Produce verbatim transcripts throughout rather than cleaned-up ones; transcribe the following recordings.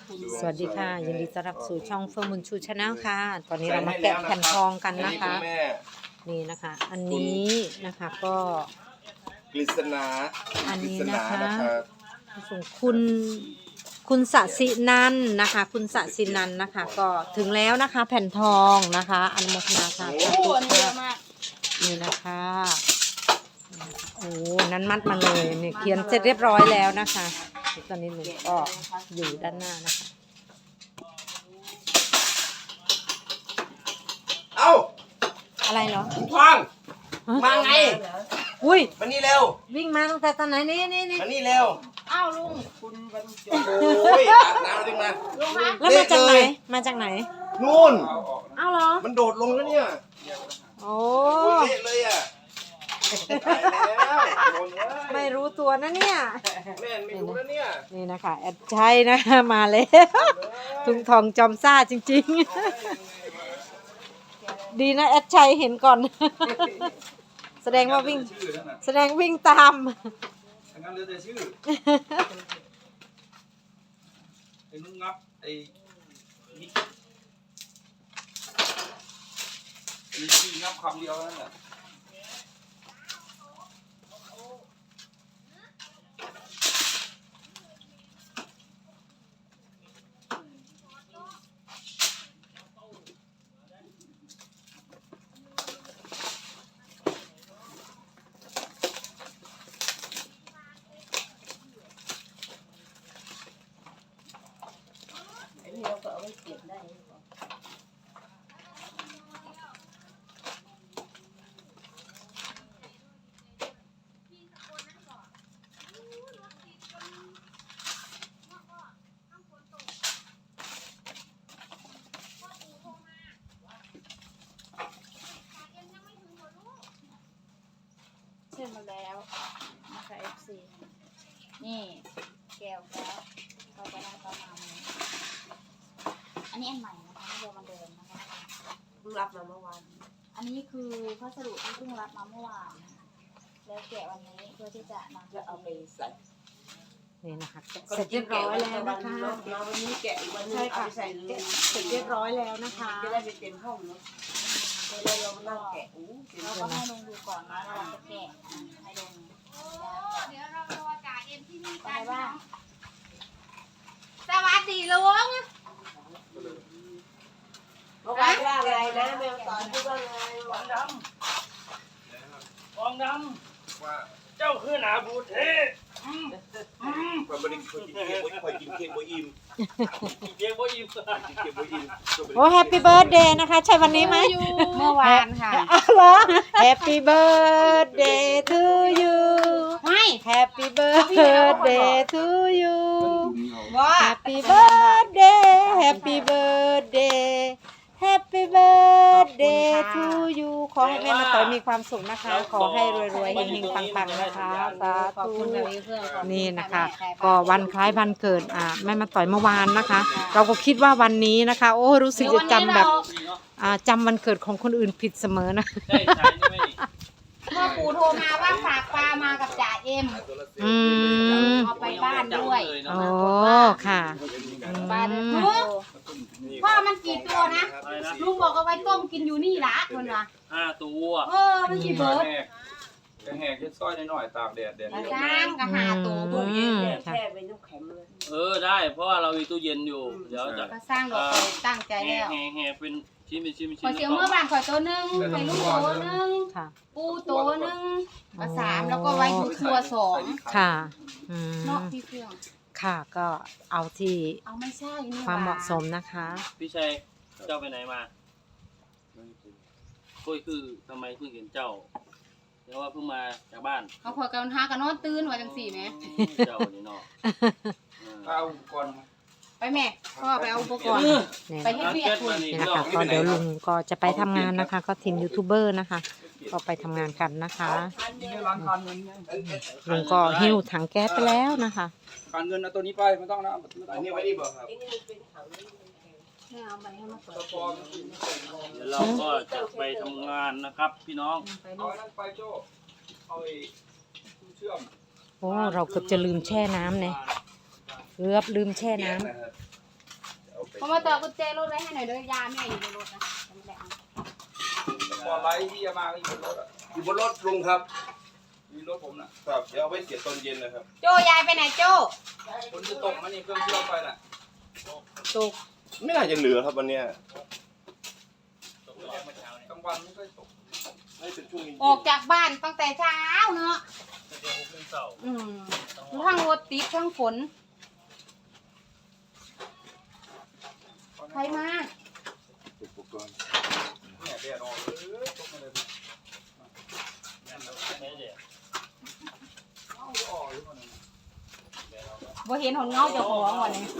สวัสดีค่ะยินดีต้อนรับสู่ช่องเฟิร์มบุญชูชาแนลค่ะตอนนี้เรามาแกะแผ่นทองกันนะคะนี่นะคะอันนี้นะคะก็กฤษณาอันนี้นะคะส่งคุณคุณสศินันนะคะ คุณสศินันนะคะก็ถึงแล้วนะคะแผ่นทองนะคะอนุโมทนาค่ะโอ้โหเยอะมากนี่นะคะโอ้นั้นมัดมาเลยเนี่ยเขียนเสร็จเรียบร้อยแล้วนะคะตอนนี้หนูก็อยู่ด้านหน้านะคะเอ้าอะไรเหรอทองมาไงอุ้ยมานี่เร็ววิ่งมาตั้งแต่ตอนไหนนี่นี่นี่มานี่เร็วอ้าวลุงโอ้ยอาบน้ำจริงมาลุงมาแล้วมาจากไหนมาจากไหนนู่นอ้าวเหรอมันโดดลงแล้วเนี่ยโอ้โอ้ยเละเลยอ่ะตายแล้วโดนเลยไม่รู้ตัวนะเนี่ยแม่ไม่รู้แล้วเนี่ยนี่นะคะแอดชัยนะคะมาแล้วทุงทองจอมซ่าจริงๆ ดีนะแอดชัยเห็นก่อน แสดงว่าวิ่งแสดงวิ่งตามทั้งนั้นเหลือแต่ชื่อไอ้นุ่งงับไอ้นี่มีชื่องับคำเดียวนั่นแหละเสร็จมาแล้วนะคะ เอฟ ซี นี่แก้วแล้วเราจะได้ประมาณนี้อันนี้อันใหม่นะคะไม่เดิมมันเดิมนะคะเพิ่งรับมาเมื่อวานอันนี้คือพัสดุที่เพิ่งรับมาเมื่อวานนะคะแล้วแกะวันนี้เพื่อที่จะนำจะเอาไปใส่นี่นะคะเสร็จเรียบร้อยแล้วนะคะวันนี้แกะอีกวันนึงใช่เอาค่ะไปใส่เลยเสร็จเรียบร้อยแล้วนะคะจะได้ไปเต็มห้องเนาะเราเรานั่งแกะอู้เต็มเราห้ก็องให้ลงดูก่อนนะเราจะแกะให้ลงเดี๋ยวเรารอจ่าเอ็มที่นี่ไปกันบ้างสวัสดีลุงเมื่อวานว่าอะไรนะแมวสอนพูดว่าไงฟองดำฟองดว่าำเจ้าคือหนาบูเทความบริสุทธิ์กินเค้กบ่คอยกินเค้กบ่อิ่มอีเพียงบ่อิ่มกินเค้กบ่อิ่มโอ้แฮปปี้เบิร์ดเดย์นะคะ ใช่วันนี้ไหมเมื่อวานค่ะอ้าวเหรอ Happy birthday to you ไม่ Happy birthday to you ว่า Happy birthday Happy birthday Happy birthday to you ขอให้แม่มาต่อยมีความสุขนะคะ ขอให้รวยๆเฮงๆปังๆนะคะสาขอบธุคุณค่ะพี่เพื่อนขอบคุณนี่นะคะแม่ก็วันคล้ายวันเกิดอ่าแม่มาต่อยเมื่อวานนะคะ เราก็คิดว่าวันนี้นะคะ โอ้รู้สึกจะจำแบบอ่าจำวันเกิดของคนอื่นผิดเสมอนะได้ใช้ไหมนี่เมื่อปู่โทรมาว่าฝากปลามากับจ่าเอ็มอืมเอาไปบ้านด้วยโอ้ค่ะอืปลาเดินมทางพ่อมันกี่ตัวนะอะไรนะลุงบอกเอาไว้ต้มกินอยู่นี่ละคนละห้าตัวเออมันกี่เบิร์ดแหกกระแหกเช็ดสร้อยหน่อยๆตากแดดแดดสร้างกระหาตัวอืบุญมแช่เป็นน้ำแข็งเลยเออได้เพราะว่าเรามีตู้เย็นอยู่ เดี๋ยวจะก็สร้างดอกไปตั้งใจแห่แล้วแห่แห่เป็นชิ้นเป็นชิ้นเป็นขชิ้อน เสียวเมื่อบานขอตัวหนึ่งไปลูกตัวหนึ่งค่ะปูตัวหนึ่งก็สามแล้วก็ไว้ทุกครัวสองค่ะอืเนาะมพี่เพื่อนค่ะก็เอาที่เอาไม่ใช่นี่ความเหมาะสมนะคะพี่ชัยเจ้าไปไหนมาคุยคือทำไมเพิ่งเห็นเจ้าเดี๋ยวว่าเพิ่งมาจากบ้านเขาพอกันหากันนอนตื่นว่าจังสี่ไหมเจ้านี่เนาะเอาก่อนไปแม่พ่อไปเอาอุปกรณ์เนี่ยไปเฮ็ดเวียกคุณนี่นะคะก็เดี๋ยวลุงก็จะไปทำงานนะคะ ก็ทีมยูทูบเบอร์นะคะ ก็ไปทำงานกันนะคะลุงก็หิ้วถังแก๊สไปแล้วนะคะการเงินเอาตัวนี้ไปไม่ต้องนะไม่ต้อัอน งนี้ไว้นี่บ่ครับไม่เอาไปให้มาสดเดี๋ยวเราก็จะไปทำงานนะครับพี่น้องไปเอาลูกอันนั้นไปโจ้เอาไอ้เชื่อมโอ้เราเกือบจะลืมแช่น้ำเนี่ยเกือบลืมแช่น้ำผมมาต่อกุญแจรถไว้ให้หน่อยเด้อยาแม่อยู่ในรถนะไม่ได้เอาบอลไลท์ที่จะมาก็อยู่บนรถอ่ะอยู่บนรถลุงครับมีรถผมน่ะครับเดี๋ยวเอาไว้เสียตอนเย็นนะครับโจยายไปไหนโจคนจะตกมันนี่เครื่องที่เราไปน่ะตกไม่น่าจะเหลือครับวันเนี้ยกลางวันไม่ค่อยตกไม่เป็นช่วงเย็นออกจากบ้านตั้งแต่เช้าเนาะเดี๋ยวผมเป็นเสาอืมทั้งรถติดทั้งฝนใครมาอุปกรณ์เนี่ยแดดออกเลยตกมาเลยไม่เดี๋ยวเอาออกเลยมันบ่เห็นหนเงาเจ้าของวันนี้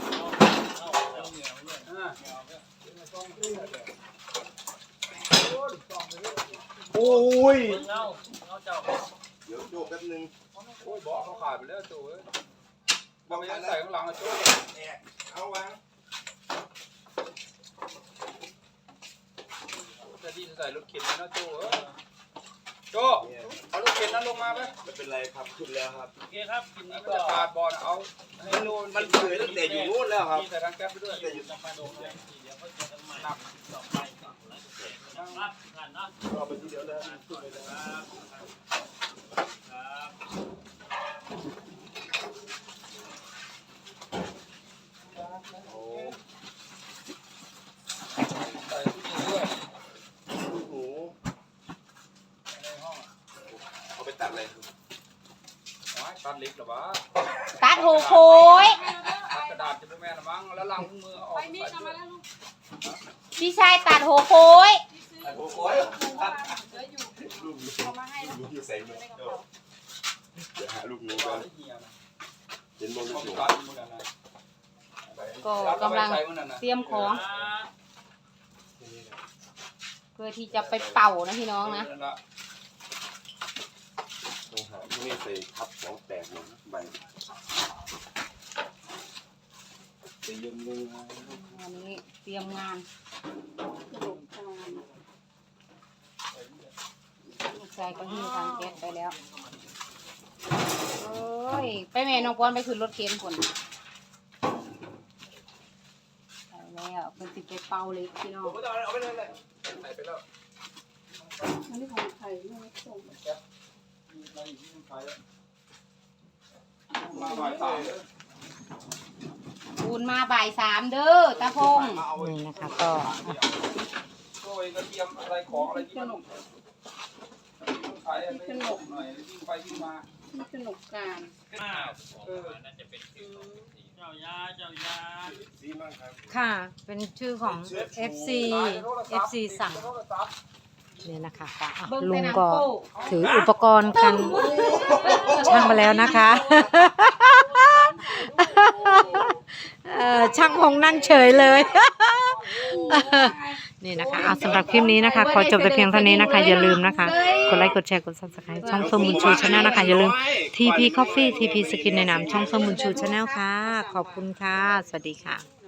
อ่าโอ้ยเงาเงาเจ้าเดี๋ยวโยกแป๊บนึงโอ้ยบอกเขาขาดไปแล้วโจ้เอ้ยบางทีใส่ข้างหลังอะโจ้เนี่ยเอาวางจะดีจะใส่รถเข็นนะโจ้เอ้ยโจ้เอารถเข็นนั้นลงมาไหมไม่เป็นไรครับขึ้นแล้วครับโอเคครับกินนี้มันก็จะขาดบอลเอาให้มันนู่นมันเปื่อยตั้งแต่อยู่นู้นแล้วครับมีใส่ทางแก๊ปไปด้วยแต่อยู่จะมาโดนเลยเดี๋ยวเขาเจอกันใหม่ต่อไปครับงานนะรอไปทีเดียวแล้วขึ้นเลยนะครับครับโอ้ใส่ทุกทีด้วยลูกหนูในห้องอะเอาไปตัดอะไรครับโอ้ยตัดเล็กเหรอวะตัดโหโคยตัดกระดาษจะไม่แม่นละมั้งแล้วล้างมือออกไปมิดมาแล้วพี่ชายตัดโหโคยโอ้โหลูกหนูลูกหนูอยู่ใส่มือเดี๋ยวหาลูกหนูตักัดนเหี่ยนะเห็นบนลูเขากหนูตัดมือกันนะก็กำลังเตรียมของนี่นะเพื่อที่จะไปเป่านะพี่น้องนะต้องหาที่นี่ใส่ทับของแตกหมดใบจะยืมเงินมาวันนี้เตรียมงานลูกชายก็หิ้วทางแก๊สไปแล้วโอ้ยไปแม่น้องปอนไปขึ้นรถเข็นคนไปแล้วเพิ่นสิไปเป่าเล็กพี่น้องผมก็จะเอาไปเลยเลยใส่ไปแล้วอันนี้ของไทยไม่ได้ส่งมีอะไรอีกที่ต้องใช้แล้วมาบ่ายสามเลยปูนมาบ่ายสามเด้อตาพงมาเอาไว้นี่นะคะก็โอ้ยกระเทียมอะไรของอะไรที่มันขายอะไรขนมหน่อยวิ่งไปวิ่งมาที่สนุกการเออน่าจะเป็นคิวเจ้ายาเจ้ายาซีมากครับค่ะ เป็นชื่อของ เอฟ ซี เอฟ ซี สั่งเนี่ยนะคะก็อ่ะเบิ่งลุแต่งหนังก็โป้ถืออุปกรณ์กันช่างมาแล้วนะคะเอ่อช่างพงนั่งเฉยเลย นี่นะคะเอาสำหรับคลิปนี้นะคะ ขอจบแต่เพียงเท่านี้นะคะ อย่าลืมนะคะ กดไลค์ กดแชร์ กด ซับสไครบ์ ช่องส้มบุญชูชาแนลนะคะ อย่าลืม ที พี Coffee ที พี Skin ในนามช่องส้มบุญชูชาแนลค่ะ ขอบคุณค่ะ สวัสดีค่ะ